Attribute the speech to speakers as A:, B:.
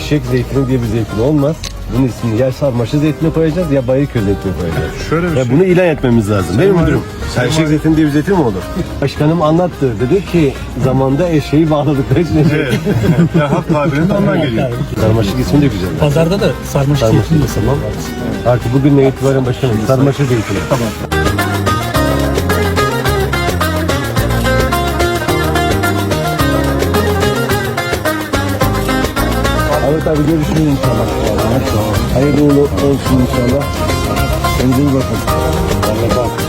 A: eşek zeytini diye bir zeytin olmaz. Bunun ismini ya sarmaşık zeytine koyacağız ya bayırköy zeytine koyacağız.
B: Şöyle bir
A: Ya
B: şey.
A: bunu ilan etmemiz lazım. Değil mi müdürüm?
B: Sayın
A: Eşek
B: Valim.
A: zeytini diye bir zeytin mi olur? Başkanım anlattı. Dedi ki zamanda eşeği bağladıkları için
B: Evet. Ya halk tabirinde ondan geliyor.
A: sarmaşık ismi de güzel.
C: Pazarda da sarmaşık
A: Sarmaşık
C: zeytin de
A: tamam. Artık bugünden itibaren başkanım sarmaşık zeytini.
C: Tamam.
A: Evet abi görüşürüz inşallah. Hayırlı uğurlu olsun inşallah. Kendinize iyi bakın. Vallahi bak.